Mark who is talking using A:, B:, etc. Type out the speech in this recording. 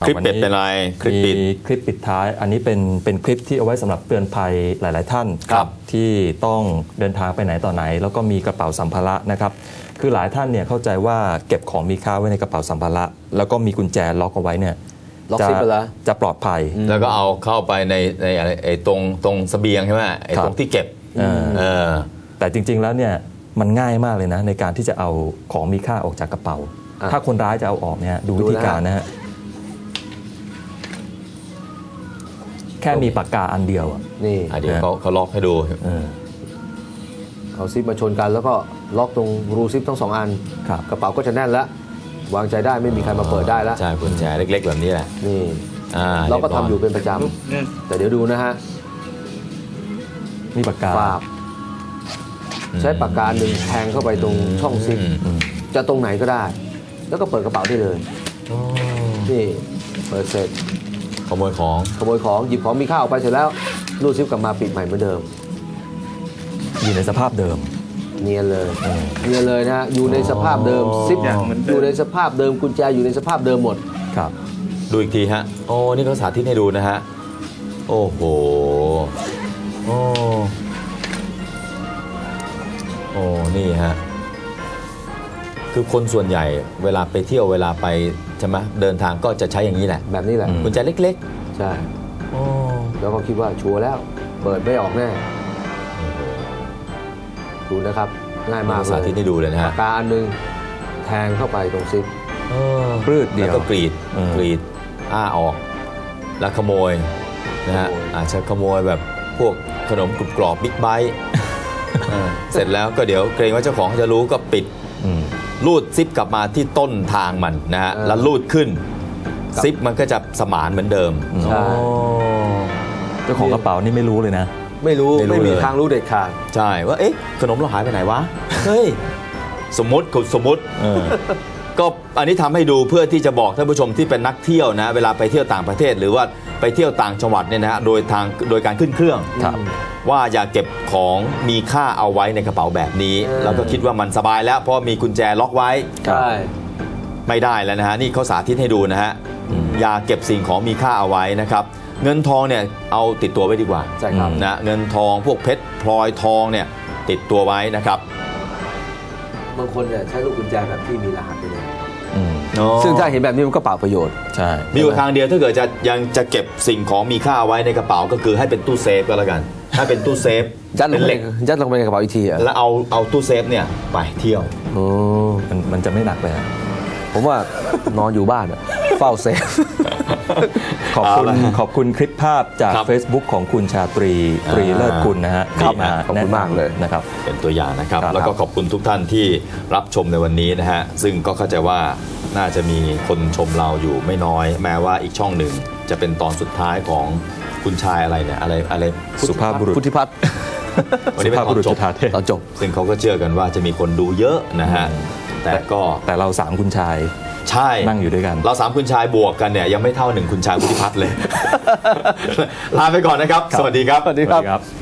A: ลิปเป็ดเป็นอะไรคลิป
B: ปิดท้ายอันนี้เป็นคลิปที่เอาไว้สำหรับเตือนภัยหลายๆท่านที่ต้องเดินทางไปไหนต่อไหนแล้วก็มีกระเป๋าสัมภาระนะครับคือหลายท่านเนี่ยเข้าใจว่าเก็บของมีค่าไว้ในกระเป๋าสัมภาระแล้วก็มีกุญแจล็อกเอาไว้เนี่ยจะปลอดภัย
A: แล้วก็เอาเข้าไปในอะไรตรงเสบียงใช่ไหมตรงที่เก็บ
B: แต่จริงๆแล้วเนี่ยมันง่ายมากเลยนะในการที่จะเอาของมีค่าออกจากกระเป๋าถ้าคนร้ายจะเอาออกเนี่ยดูวิธีการนะฮะแค่มีปากกาอันเดียว
A: นี่เดี๋ยวเขาล็อกให้ดู
C: เอาซิปมาชนกันแล้วก็ล็อกตรงรูซิปทั้ง2 อันกระเป๋าก็จะแน่นแล้ววางใจได้ไม่มีใครมาเปิดได้แล้ว
A: ใช่กุญแจเล็กๆแบบนี้แหละ
C: นี่เราก็ทำอยู่เป็นประจำแต่เดี๋ยวดูนะฮะ
B: นี่ปากกา
C: ใช้ปากกาหนึ่งแทงเข้าไปตรงช่องซิปจะตรงไหนก็ได้แล้วก็เปิดกระเป๋าได้เลยนี่เปิดเสร็จ
A: ขโมยของ
C: หยิบของมีค่าออกไปเสร็จแล้วรูดซิปกลับมาปิดใหม่เหมือนเดิม
B: อยู่ในสภาพเดิม
C: เนียนเลยนะอยู่ในสภาพเดิมซิปอยู่ในสภาพเดิมกุญแจอยู่ในสภาพเดิมหมด
B: ครับ
A: ดูอีกทีฮะโอ้นี่เขาสาธิตให้ดูนะฮะโอ้โหโอ้นี่ฮะคือคนส่วนใหญ่เวลาไปเที่ยวเวลาไปใช่ไหมเดินทางก็จะใช้อย่างนี้แหละ
C: แบบนี้แหละ
A: กุญแจเล็ก
C: ๆใช่แล้วก็คิดว่าชัวร์แล้วเปิดไม่ออกแน่ดูนะครับง่ายมากเลย
A: สาธิตให้ดูเลยนะฮะ
C: ปากกาอันนึงแทงเข้าไปตรงซิป
B: ปลื้ดเดียว
A: แล้วก็กรีดออกแล้วขโมยนะฮะอาจจะขโมยแบบพวกขนมกรุบกรอบบิ๊กไบต์เสร็จแล้วก็เดี๋ยวเกรงว่าเจ้าของจะรู้ก็ปิดลูดซิปกลับมาที่ต้นทางมันนะฮะแล้วลูดขึ้นซิปมันก็จะสมานเหมือนเดิม
C: ใช่
B: เจ้าของกระเป๋านี่ไม่รู้เลยนะ
C: ไม่มีทางรู้เด็ดขาด
A: ใช่ว่าเอ๊ะขนมเราหายไปไหนวะเฮ้ยสมมติก็อันนี้ทำให้ดูเพื่อที่จะบอกท่านผู้ชมที่เป็นนักเที่ยวนะเวลาไปเที่ยวต่างประเทศหรือว่าไปเที่ยวต่างจังหวัดเนี่ยนะโดยการขึ้นเครื่องว่าอย่าเก็บของมีค่าเอาไว้ในกระเป๋าแบบนี้แล้วก็คิดว่ามันสบายแล้วเพราะมีกุญแจล็อกไว้
C: ใช่
A: ไม่ได้แล้วนะฮะนี่เขาสาธิตให้ดูนะฮะอย่าเก็บสิ่งของมีค่าเอาไว้นะครับเงินทองเนี่ยเอาติดตัวไว้ดีกว่า
C: ใช่ครับ
A: นะเงินทองพวกเพชรพลอยทองเนี่ยติดตัวไว้นะครับ
C: บางคนเนี่ยใช้ลูกกุญแจแบบที่มีรหัสไปเลยซึ่งถ้าเห็นแบบนี้มันก็เปล่าประโยชน์
A: ใช่มีอยู่ทางเดียวถ้าเกิดยังจะเก็บสิ่งของมีค่าไว้ในกระเป๋าก็คือให้เป็นตู้เซฟก็แล้วกันถ้าเป็นตู้เซฟ
C: ยัดลงไปในกระเป๋าอีกที
A: แล้วเอาตู้เซฟเนี่ยไปเที่ยว
B: มันจะไม่หนักเลย
C: ผมว่านอนอยู่บ้านเฝ้าเซฟ
B: ขอบคุณคลิปภาพจาก Facebook ของคุณชาตรีเลิศกุลนะฮะ
C: ขอบคุณมากเลย
B: นะครับ
A: เป็นตัวอย่างนะครับแล้วก็ขอบคุณทุกท่านที่รับชมในวันนี้นะฮะซึ่งก็เข้าใจว่าน่าจะมีคนชมเราอยู่ไม่น้อยแม้ว่าอีกช่องหนึ่งจะเป็นตอนสุดท้ายของคุณชายอะไรเนี่ยอะไร
B: สุภาพบุรุษ
C: พุทธิพัฒน์
A: วันนี้เป็นตอนจบซึ่งเขาก็เชื่อกันว่าจะมีคนดูเยอะนะฮะแต่
B: เรา3คุณชาย
A: ใช่
B: นั่งอยู่ด้วยกัน
A: เรา3คุณชายบวกกันเนี่ยยังไม่เท่า1คุณชายพุทธิพัฒน์เลยลาไปก่อนนะครับสวัสดีครับ